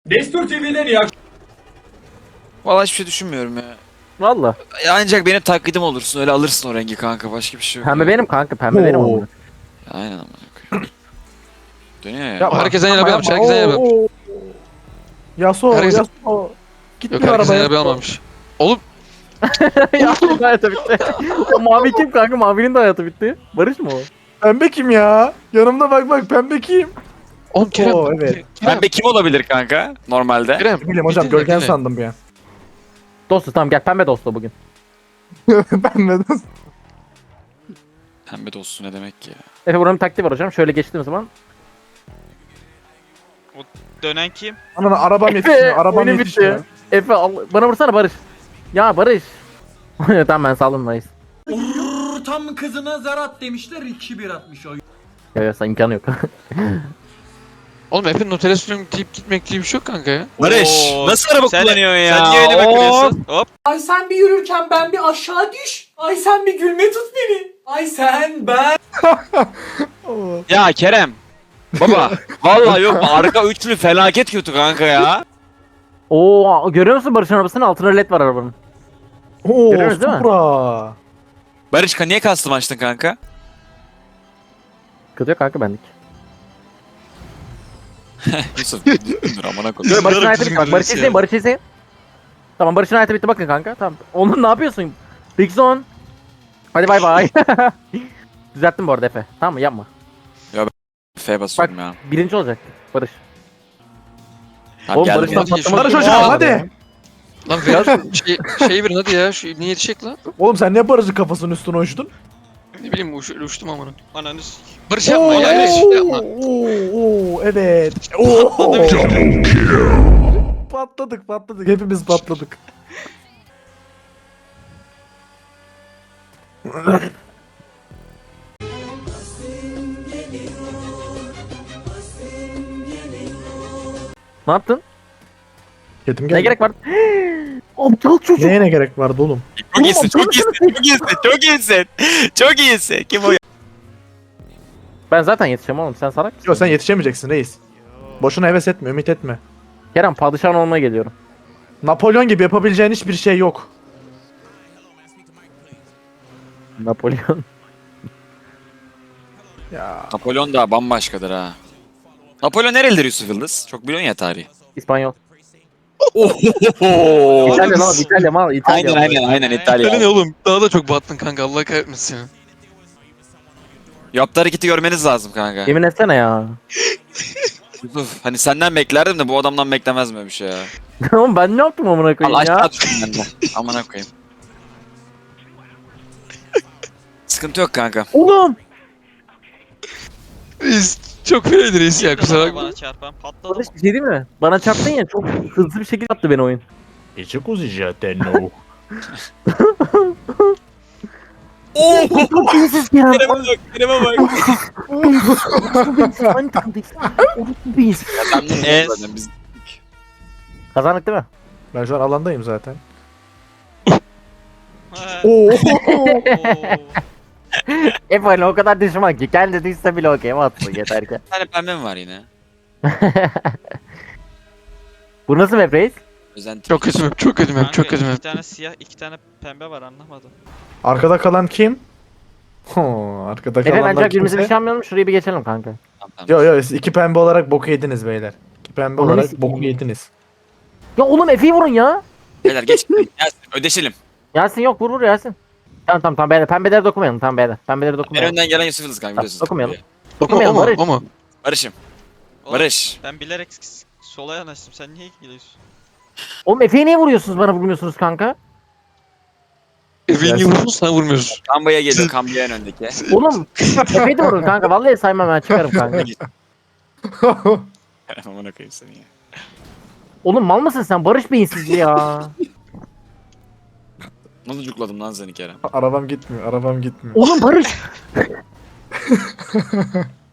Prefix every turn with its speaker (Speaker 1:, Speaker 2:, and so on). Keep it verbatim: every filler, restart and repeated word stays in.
Speaker 1: Destur T V'den iyi
Speaker 2: Vallahi hiçbir şey düşünmüyorum ya.
Speaker 3: Valla.
Speaker 2: Ya ancak benim taklidim olursun, öyle alırsın o rengi kanka, başka bir şey yok.
Speaker 3: Pembe
Speaker 2: ya.
Speaker 3: benim kanka, pembe benim
Speaker 4: Oo.
Speaker 3: ama.
Speaker 2: Ya aynen amına koyayım. Dönüyor ya.
Speaker 4: Yapma.
Speaker 5: Herkesten
Speaker 4: Yapma,
Speaker 5: yana bir almış,
Speaker 4: yapma.
Speaker 5: herkesten yana bir almış.
Speaker 4: Oo, oo. Yasuo,
Speaker 5: Herkes-
Speaker 4: Yasuo. Gitmiyor
Speaker 5: Yok herkesten
Speaker 4: arabaya.
Speaker 5: yana bir almamış. Oğlum
Speaker 3: Yasuo'nun da hayatı bitti. O mavi kim kanka? Mavinin de hayatı bitti. Barış mı o?
Speaker 4: Pembe kim ya? Yanımda bak bak pembe kim?
Speaker 5: oğlum Kerem.
Speaker 4: Oo, evet.
Speaker 5: Kerem.
Speaker 2: Pembe kim olabilir kanka normalde?
Speaker 5: Kerem.
Speaker 4: Ne bileyim hocam
Speaker 5: bir dinle,
Speaker 4: Görkem
Speaker 5: dinle.
Speaker 4: sandım bir an.
Speaker 3: Dostu tamam gel, pembe dostu bugün.
Speaker 4: Pembe de.
Speaker 2: Pembe dostu ne demek ki ya?
Speaker 3: Efe buranın taktiği var hocam. Şöyle geçtiğim zaman.
Speaker 6: Dönen kim?
Speaker 4: Ananı arabam yetişmiyor. Arabam
Speaker 3: oyunu
Speaker 4: yetişmiyor.
Speaker 3: bitti. Efe al, bana vursana Barış. Ya Barış. Tamam ben saldım Barış.
Speaker 1: Tam kızına zarat demişler iki bir atmış o.
Speaker 3: Ya ya sen imkanı yok.
Speaker 5: Oğlum Efe'nin otele sürüm deyip gitmek diye bir şey yok kanka ya.
Speaker 2: Barış
Speaker 6: Oo,
Speaker 2: nasıl araba
Speaker 6: sen-
Speaker 2: kullanıyorsun ya?
Speaker 6: Sen niye öyle
Speaker 2: Hop!
Speaker 6: bakıyorsun? Hop.
Speaker 1: Ay sen bir yürürken ben bir aşağı düş. Ay sen bir gülme tut beni. Ay sen ben.
Speaker 4: Oo.
Speaker 2: Ya Kerem. Baba vallahi yok, arka üçlü felaket kötü kanka ya.
Speaker 3: Oo görüyor musun Barış'ın arabasının altına led var arabanın.
Speaker 4: Oo,
Speaker 3: Görüyoruz değil mi?
Speaker 4: Supra.
Speaker 2: Barış niye custom açtın kanka?
Speaker 3: Sıkıntı yok kanka benlik.
Speaker 2: Yusuf dur amına koyayım.
Speaker 3: Dur Barış'ın hayatı bitti bak.
Speaker 5: Yarım
Speaker 3: Barış
Speaker 5: kızarız
Speaker 3: izleyin,
Speaker 5: ya.
Speaker 3: Barış izleyin. Tamam Barış'ın hayatı bitti bakın kanka. Tamam. Onun ne yapıyorsun? Big Zone. Hadi bay bay. Düzelttim bu arada Efe. Tamam mı? Yapma.
Speaker 2: F basıyorum ya.
Speaker 3: Birinci olacak Barış.
Speaker 2: Tamam,
Speaker 3: Oğlum
Speaker 2: geldim
Speaker 3: Barış'tan
Speaker 2: ya.
Speaker 3: patlamak.
Speaker 4: Barış
Speaker 3: için-
Speaker 4: hocam
Speaker 3: Aa,
Speaker 4: hadi.
Speaker 5: Lan ver şey, şey verin hadi ya. Şu niye yetişecek lan?
Speaker 4: Oğlum sen ne Barış'ın kafasının üstüne uçtun?
Speaker 5: Ne bileyim uç, uçtum amına.
Speaker 6: Ananı s-
Speaker 5: Barış yapma ya. Öyle şey yapma.
Speaker 4: Oo, oo, evet. Oo. Patladık patladık. Hepimiz patladık.
Speaker 3: Ne yaptın?
Speaker 4: Ketim
Speaker 3: Ne
Speaker 4: geldi.
Speaker 3: gerek var? Aptal çocuk.
Speaker 4: Neye ne gerek vardı oğlum?
Speaker 2: Çok iyisin, çok iyisin, çok iyisin, çok iyisin. Çok iyisin. Kim o ya?
Speaker 3: Ben zaten yetişeceğim oğlum, sen salak mısın?
Speaker 4: Yok sen yetişemeyeceksin reis. Boşuna heves etme, ümit etme.
Speaker 3: Kerem padişahın olmaya geliyorum.
Speaker 4: Napolyon gibi yapabileceğin hiçbir şey yok.
Speaker 3: Napolyon.
Speaker 4: Ya
Speaker 2: Napolyon da bambaşkadır ha. Napolyon nerelidir Yusuf Yıldız? Çok biliyorsun ya tarihi.
Speaker 3: İspanyol.
Speaker 2: Ohohoho.
Speaker 3: İtalya lan, İtalya mal, İtalya.
Speaker 2: Aynen aynen aynen İtalya.
Speaker 5: Öyle ne oğlum? Daha da çok battın kanka. Allah kahretmesin seni.
Speaker 2: Yaptığı hareketi görmeniz lazım kanka.
Speaker 3: Yemin etsene ya.
Speaker 2: Yusuf hani senden beklerdim de bu adamdan beklemez böyle bir şey ya.
Speaker 3: Oğlum ben ne yaptım amına
Speaker 2: Allah
Speaker 3: koyayım ya?
Speaker 2: aşağı düştüm ben de. Amına koyayım. Sıkıntı yok kanka.
Speaker 3: Oğlum.
Speaker 5: Reis çok fenaydı reis ya, kusura
Speaker 6: Bana-
Speaker 5: bakma.
Speaker 6: Bana çarpan patladı.
Speaker 3: Barış bir şey değil mi? Bana çarptın ya, çok hızlı bir şekilde yaptı beni oyun.
Speaker 4: Çok zaten o.
Speaker 2: Oo!
Speaker 3: Çok iyisiz ya.
Speaker 2: Kerem'e bak, Kerem'e bak.
Speaker 3: Aynı takımdayız. Oğlum çok iyiyiz.
Speaker 2: Kazandın
Speaker 6: Es.
Speaker 2: zaten biz.
Speaker 3: Kazandık değil mi?
Speaker 4: Ben şu an alandayım zaten.
Speaker 6: Ha.
Speaker 4: Oo.
Speaker 6: Oo.
Speaker 3: Hep öyle o kadar düşman ki kendi düşse bile okey atsın yeter ki.
Speaker 2: Bir tane pembe mi var yine?
Speaker 3: Bu nasıl map reis?
Speaker 2: Özenti.
Speaker 5: Çok kötü map, çok kötü map,
Speaker 6: Kanka,
Speaker 5: çok kötü
Speaker 6: iki
Speaker 5: map.
Speaker 6: tane siyah, iki tane pembe var anlamadım.
Speaker 4: Arkada kalan kim? Ho, arkada
Speaker 3: Efe
Speaker 4: kalanlar
Speaker 3: bence birbirimize bir
Speaker 4: kimse.
Speaker 3: şey yapmayalım, şurayı bir geçelim kanka.
Speaker 2: Tamam, tamam.
Speaker 4: Yo yo siz iki pembe olarak boku yediniz beyler. İki pembe
Speaker 3: Ananı
Speaker 4: olarak
Speaker 3: sikeyim.
Speaker 4: boku yediniz.
Speaker 3: Ya oğlum Efe'yi vurun ya.
Speaker 2: Beyler geç. Gelsin ödeşelim.
Speaker 3: Yasin yok, vur vur Yasin. Tamam tamam tamam beyler, pembeleri dokunmayalım, tamam beyler. Pembeleri
Speaker 2: En
Speaker 3: dokunmayalım.
Speaker 2: önden gelen Yusuf Yıldız kanka biliyorsunuz.
Speaker 3: Dokunmayalım.
Speaker 5: O mu, o
Speaker 3: Dokunmayalım
Speaker 5: mu,
Speaker 3: Barış.
Speaker 5: o mu?
Speaker 2: Barış'ım.
Speaker 6: Oğlum,
Speaker 2: Barış.
Speaker 6: Ben bilerek s- sola yanaştım. Sen niye gidiyorsun?
Speaker 3: Oğlum Efe'yi niye vuruyorsunuz, bana vurmuyorsunuz kanka?
Speaker 5: Efe'yi niye vurdun, sen vurmuyorsun.
Speaker 2: Kambaya geliyor. Kambaya en öndeki.
Speaker 3: Oğlum Efe'yi de vurun kanka, vallahi saymam, ben çıkarım kanka.
Speaker 2: Amına koyayım seni ya.
Speaker 3: Oğlum mal mısın sen, Barış beyinsiz ya.
Speaker 2: Nasıl cukladım lan seni Kerem?
Speaker 4: Arabam gitmiyor, arabam gitmiyor.
Speaker 3: Oğlum Barış.